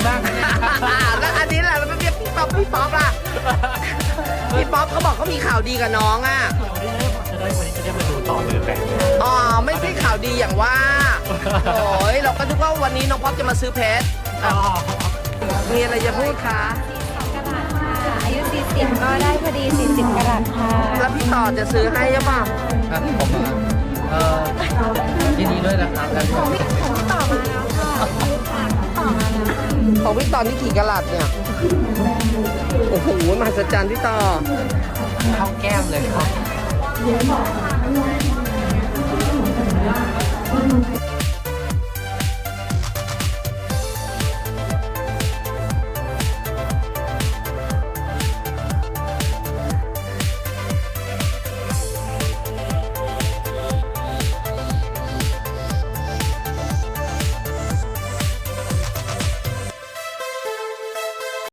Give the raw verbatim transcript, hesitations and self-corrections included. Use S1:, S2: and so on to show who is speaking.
S1: มากนะเนี่ย
S2: แล้วอันนี้แหละแล้วไม่เรียกพี่ป๊อปพี่ป๊อปล่ะพี่ป๊อปเขาบอกเขามีข่าวดีกับน้องอ่ะ
S1: จะได้วันนี้จะได้มาดูต่อเลยแปลก
S2: อ๋อไม่ใช่ข่าวดีอย่างว่าโอ้ยเราก็คิดว่าวันนี้น้องป๊อปจะมาซื้อเพชร
S1: อ๋อ
S2: มีอะไรจะพูดคะ
S3: อายุ สี่สิบ ก็ได้พอดี สี่สิบ กะรัตค่ะ
S2: แล้วพี่ต่อจะซื้อให้ใช่ป่ะ
S1: ครับผมอ่ะเออยินดีด้วยนะครับแล้วก็
S3: ต่อมาแล้วค่ะต่อมาแล้ว
S2: ของพี่ต่อนี่กี่กะลัดเนี่ยโอ้โหมหัศจรรย์พี่ต่อ
S1: เข้าแก้มเลยครับ